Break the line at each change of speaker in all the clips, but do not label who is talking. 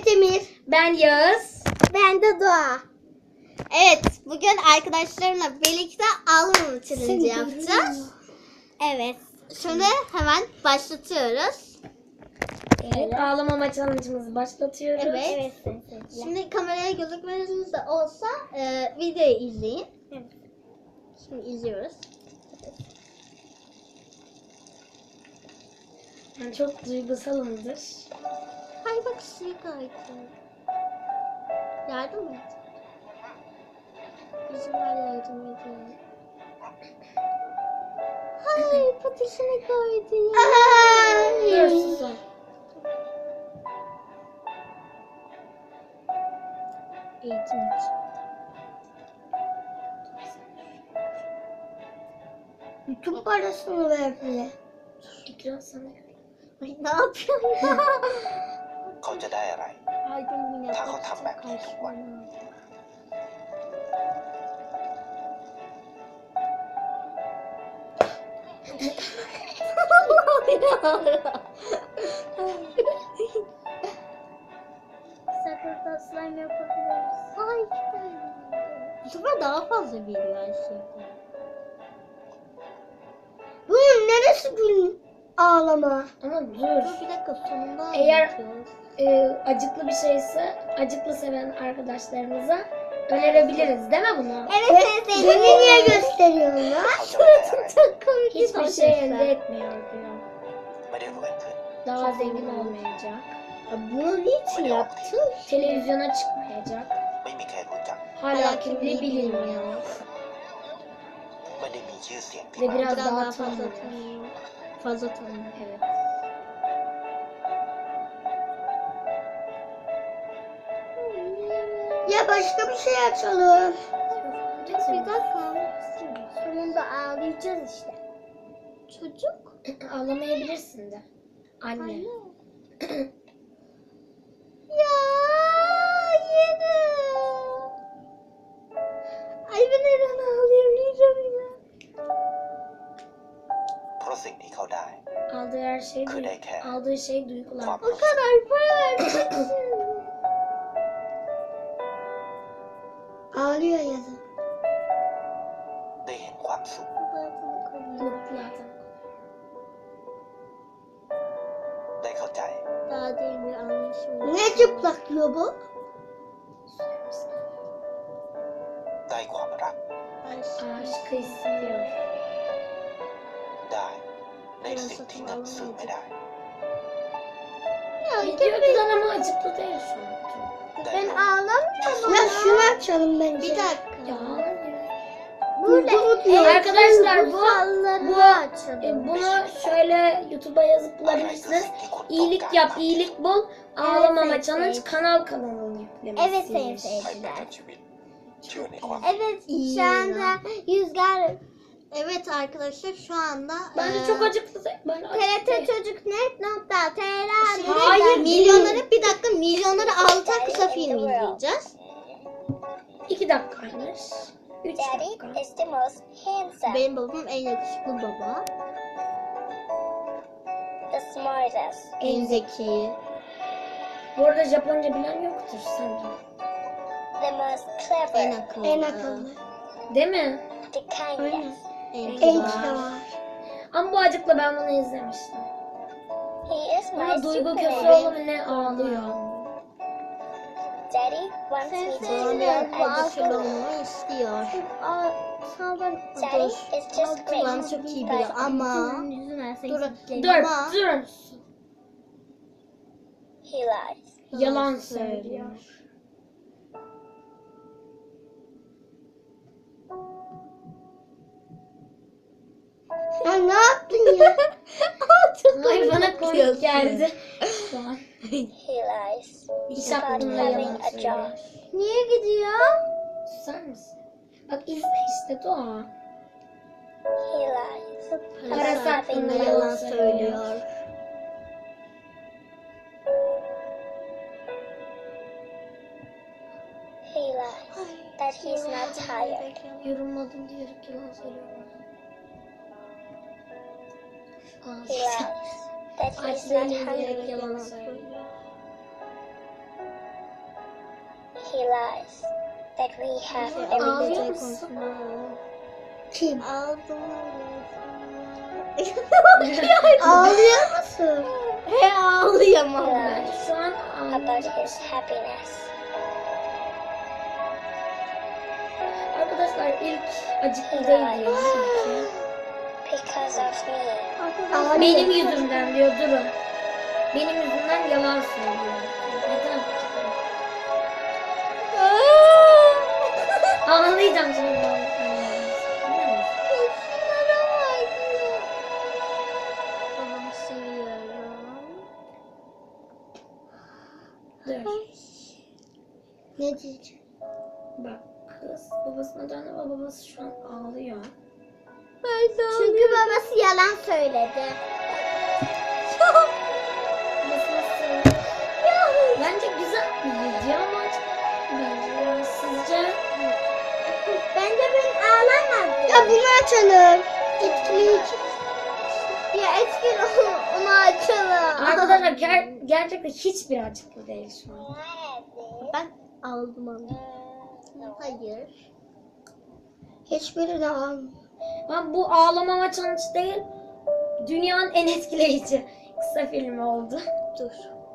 Demir.
Ben Yağız.
Ben de Doğa. Evet, bugün arkadaşlarımla birlikte ağlama challenge yapacağız. Evet, şimdi hemen başlatıyoruz.
Evet. Ağlamama challenge'ımızı başlatıyoruz.
Evet. Şimdi kameraya gözükmeniz de olsa videoyu izleyin. Evet. Şimdi izliyoruz.
Ben çok duygusalımdır.
Hay bak şey kaydı. Yardım mı et? Bizim var yardım edin. Hay patisini koydu ya.
Dur susun.
Eğitim için. Bütün parasını verdi.
İkram sana.
Ay ne yapıyorsun ya?
เขาจะได้อะไร
Ay ben bunu
ถ้าเขา
yapmak
ทำแบบนี้ทุกวัน
Sakırda slime yapabiliriz. Ay bu sefer daha fazla veriyor her şeyden. Bunun neresi bunun ağlama?
Ama dur.
Dur bir dakika sonunda
Eğer-
anlatıyoruz.
Acıklı bir şeyse acıklı seven arkadaşlarımıza önerebiliriz değil mi bunu?
Evet. Beni niye gösteriyorsun ya?
เขาจะไม่ได้อะไร
Çok komik bir
Hiçbir şey elde etmiyor diyor.
ไม่ได้รวยขึ้น
Daha zengin olmayacak.
Bunu niçin yaptın?
Televizyona çıkmayacak.
ไม่มีใครรู้จัก
Hala kimliği bilinmiyor.
ไม่ได้มีชื่อเสียงที่
Ve
มาก
biraz
Biraz
daha
daha fazla
tanınıyor.
tanıyor. Fazla tanıyor.
Evet.
Ya başka bir şey açalım.
Bir
Bir dakika. Sonunda ağlayacağız işte. Çocuk.
Ağlamayabilirsin de. Anne.
Ya yine. Ay ben neden ağlayabilirim ya?
เพราะสิ่งที่เขาได้
Aldığı her şey aldığı şey duygular.
Tamam.
O kadar para vereceksin. Ağlıyor yazın.
ได้เห็นความสุข
Mutlu adam.
ได้เข้าใจ
Daha derin bir anlaşılma. Ne çıplak diyor bu?
ได้ความรัก
Aşkı istiyor.
ได้ในสิ่งที่เงินซื้อไม่ได้
Video güzel ama acıklı değil şu an.
ได้
Ben
รู้
ağlamıyorum. Ya şunu açalım bence. Bir dakika.
Ya hayır.
Burada
Arkadaşlar bu
açalım.
bunu şöyle YouTube'a yazıp
อะไรคือ
bulabilirsiniz.
สิ่งที่คุณต้อง
İyilik
การ
yap,
มากที่
iyilik
สุด
bul. Ağlamama
Evet,
challenge
evet.
kanalını yüklemesi.
Evet sayın
ให้
seyirciler.
ประกันชีวิตเชื่อในความ
Evet şu anda Rüzgar. Evet arkadaşlar şu anda
Bence çok acıklı değil. Ben
TRTçocuknet.tr
Hayır,
milyonları bir dakika milyonları ağlatan kısa film izleyeceğiz.
2 dakikaymış. 3 dakika.
Daddy is the most handsome,
Benim babam en yakışıklı baba.
the smartest,
En zeki.
Bu arada Japonca bilen yoktur sanırım.
the most
En
clever,
akıllı. En akıllı.
Değil mi?
the kindest.
En
kibar.
var.
Ama bu acıklı ben bunu izlemiştim.
He is my
Ama Duygu
Superman.
Köseoğlu mu ne ağlıyor.
Daddy wants me to
Babam
do
biraz bu
as
akıllı
good.
olmayı istiyor. Sağdan
Daddy is just
Kulağım
great,
çok iyi
but
biliyor ama dur ama
Dur.
he lies.
Yalan söylüyor.
ya ne yaptın ya?
Ay bana komik geldi. Şu an.
He lies.
İş aklımda yalan söylüyor.
Niye gidiyor?
Susar mısın? Bak izle işte Doğa.
He lies.
Parası hakkında yalan söylüyor.
He lies that he's not tired.
Yorumladım diyerek yalan söylüyor.
He lies that he's not
Açlığını
hungry.
diyerek yalan söylüyor.
realize that we have
Ağlıyor
everything.
musun?
Kim? Aldım. Ağlıyor musun? He ağlayamam ben.
Şu an
About
ağlayacak.
his happiness.
Arkadaşlar ilk acıklı değil diyor.
Because of me.
Benim yüzümden diyor, durun. Benim yüzümden yalan söylüyor. Neden? Ağlayacağım şimdi.
Babamı seviyorum.
Dur.
Ne diyeceğim?
Bak kız babasına döndü ve babası şu an ağlıyor.
Çünkü babası yalan söyledi.
Babasına söylüyor. Bence güzel bir video ama bence ya sizce?
Bence ben ağlamadım. Ya bunu açalım. Etkileyici. Ya etkili onu açalım.
Arkadaşlar gerçekten hiçbir acıklı değil şu an.
Ben aldım ama. Hayır. Hiçbiri almadım.
Ben bu ağlamama challenge değil, dünyanın en etkileyici kısa filmi oldu.
Dur.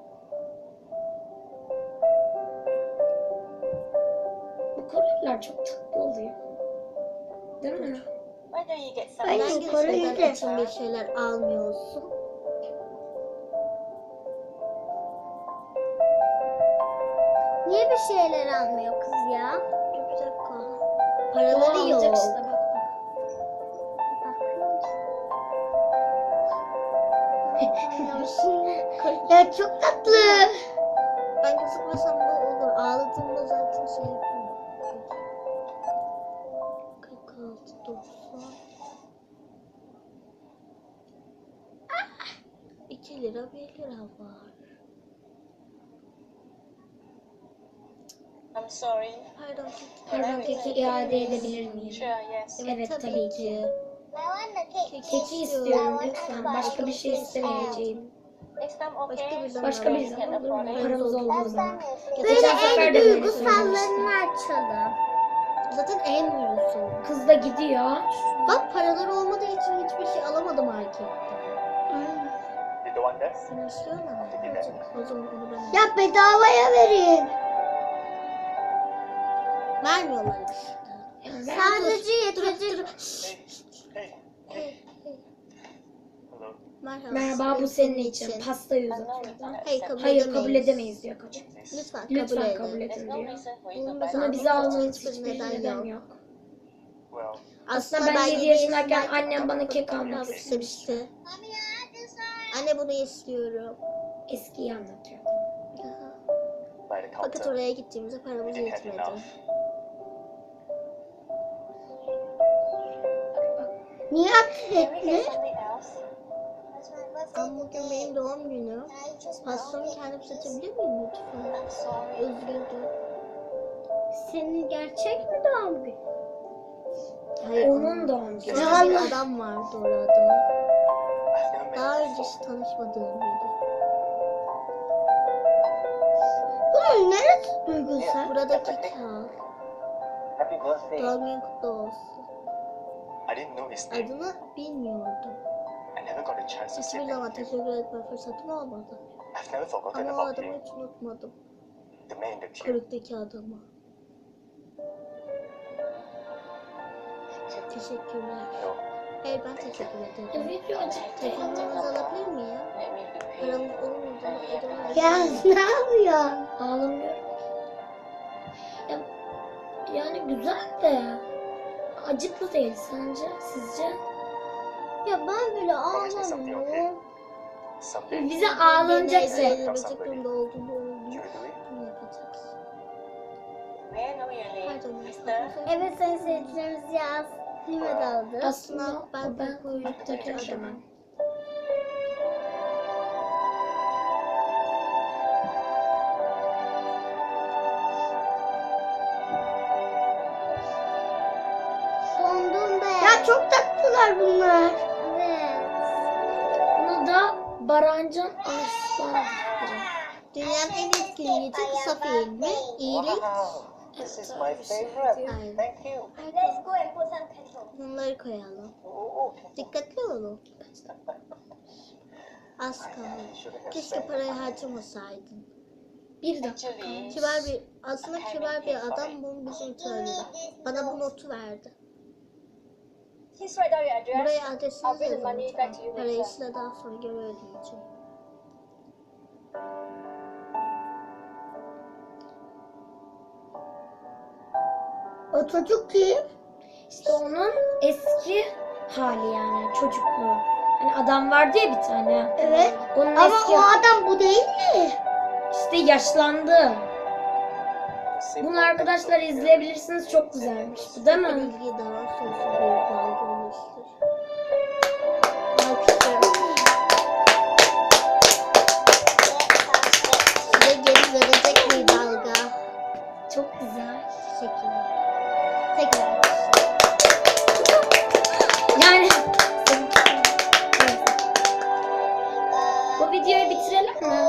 Bu Koreliler çok tatlı oluyor. Değil mi?
Why don't you get some
Neden
biscuits
Kore'den
with that?
için bir şeyler almıyorsun? Niye bir şeyler almıyor kız ya? Dur bir dakika. Paraları
O
yok.
alacak işte, bak bak.
Ya çok tatlı. Ben kısıkmasam da olur. Ağladığımda zaten şey yapıyorum. 46, 90. 2 lira 1 lira var.
I'm sorry.
Pardon.
Pardon, keki iade edebilir miyim?
Sure, yes.
Evet, tabii ki.
I want the cake.
Keki istiyorum lütfen. Başka bir şey istemeyeceğim.
Next time,
Başka
okay?
bir zaman.
Başka bir
Can
zaman olur mu?
afford it.
Paramız olduğu zaman.
Böyle
Geçen sefer
en
de böyle
duygusallarını açalım. Zaten en duygusal.
Kız da gidiyor.
Bak paraları olmadığı için hiçbir şey alamadım markette.
You don't want this?
Sen istiyorsun ama. O zaman onu ben ya bedavaya verin. Vermiyorlar işte.
Yani
Sadece yetecek.
Hey, hey. Hello.
merhaba, bu senin için. Pastayı
I know you
uzatıyor.
can't
Hayır,
accept
kabul
Hayır,
edemeyiz.
kabul edemeyiz diyor kadın.
this.
Lütfen,
Lütfen
kabul
kabul
edin.
There's
edin
no
diyor.
reason for you
Bunu
to buy
Bunu
it.
bize almanız
hiçbir
hiçbir
neden
neden
yok.
yok.
Well,
Aslında ben 7 yaşındayken annem bana kek almak
almak
istemişti.
istemişti. Anne bunu istiyorum.
Eskiyi anlatıyor.
Aha.
by the
Fakat
counter.
oraya gittiğimizde
We
paramız
didn't have
yetmedi.
enough.
Niye
Can we get
atletli?
something else?
Ama bugün benim doğum günüm. Pastamı kendim seçebilir miyim lütfen?
I'm sorry.
Özgürdüm. Senin gerçek mi doğum günü? Hayır,
Onun doğum günü.
Sonra bir adam vardı orada.
I've never met
Daha
you
önce
before.
hiç tanışmadığım biri. Bunun neresi duygusal? Buradaki kağıt.
Happy birthday.
Doğum günün kutlu olsun.
I didn't know his name.
Adını bilmiyordum.
I never got a chance to say
Hiçbir zaman
thank you.
teşekkür etme fırsatım olmadı.
I've never forgotten
Ama o
about
adamı
you.
hiç unutmadım.
The man in the queue.
Kırıktaki adamı. Teşekkürler.
No.
Hayır, ben teşekkür ederim.
Video acıktı.
Telefonunuzu alabilir miyim?
Let me be paid.
Paramız olmadı.
Ya,
ne yapıyorsun?
Ağlamıyorum. Ya, yani güzel de acıklı değil sence? Sizce?
Ya ben böyle
Promise me something, okay?
ağlamıyorum.
Someday
Bize ağlanacak
Yine
şey.
eğlenebilecek durumda olduğunu
you will do it.
bunu yapacağız.
May I know your name,
Pardon.
mister?
Evet, sayın seyircilerimiz Yaz. Nimet aldı.
Aslında
ben
ben
kuyruktaki
kuyruktaki
adamım.
adamım.
Dondum be. Ya çok tatlılar bunlar. Evet.
Bunu da Barancan Arslan.
Dünyanın en etkileyici kısa filmi İyilik
Wow. This is my favorite.
Aynen.
Thank you.
Let's go and put some kettle.
Bunları koyalım.
Okay.
Dikkatli olun. Az kaldı.
Should have
Keşke
spent
parayı harcamasaydın.
Bir dakika.
Aslında kibar bir adam bunu bizim söyledi. Bana bu notu verdi.
Please write down your address.
Buraya
I'll
adresinizi
bring the
yazın
money back to you
lütfen. Parayı
later.
size daha sonra geri ödeyeceğim. O çocuk kim?
İşte onun eski hali yani çocukluğu. Hani adam vardı ya bir tane.
Evet.
Onun
Ama
eski
o adam bu değil mi?
işte yaşlandı.
simple
Bunu arkadaşlar izleyebilirsiniz. Çok güzelmiş. Bu değil mi?
Bilgi daha sonrası büyük dalga olmuştur. Alkışlıyorum. Size geri verecek bir dalga.
Çok güzel.
Teşekkürler. Tekrar alkışlıyorum.
Yani bu videoyu bitirelim mi?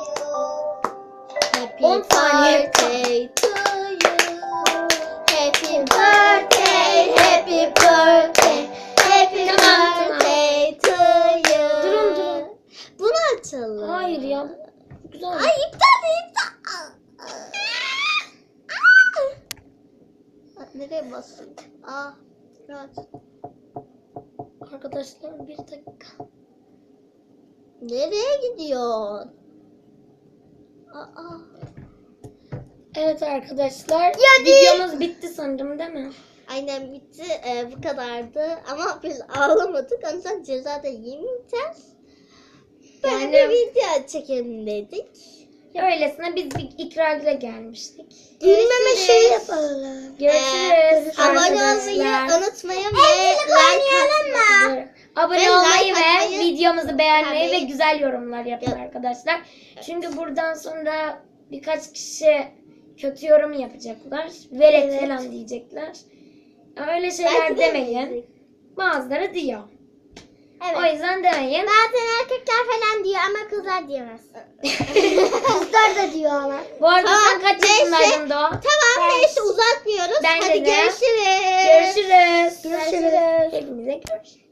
Happy
10 saniye.
birthday to you. Happy birthday, happy birthday, happy
Tamam,
birthday to you.
Durun.
Bunu açalım.
Hayır ya. Güzel.
Ay iptal. Nereye basın? Evet.
Arkadaşlar bir dakika.
Nereye gidiyorsun?
Evet arkadaşlar. Videomuz bitti sanırım değil mi?
Aynen bitti. Bu kadardı. Ama biz ağlamadık. O yüzden ceza da yemeyeceğiz. Böyle
Yani-
bir video çekelim dedik.
Ya öylesine biz bir ikrarla gelmiştik.
Gülmeme şey yapalım.
Görüşürüz
Abone
arkadaşlar.
olmayı unutmayın ve like atmayı.
Abone
Ve
olmayı
like
ve
atmayı,
videomuzu beğenmeyi ve
beğenmeyi.
güzel yorumlar yapın
Yap.
arkadaşlar. Çünkü buradan sonra birkaç kişi kötü yorum yapacaklar. Velet
Evet.
falan diyecekler. Öyle şeyler
Belki de
demeyin.
diyecek.
Bazıları diyor.
Evet.
O yüzden demeyin.
Bazen erkekler falan diyor ama kızlar diyemez. Kızlar da diyor ama.
Bu arada
Tamam,
sen kaç
neyse.
yaşındaydın Doğa?
Tamam neyse uzatmıyoruz.
Bence
Hadi
de.
görüşürüz.
Görüşürüz.
Görüşürüz.
Hepinize görüşürüz.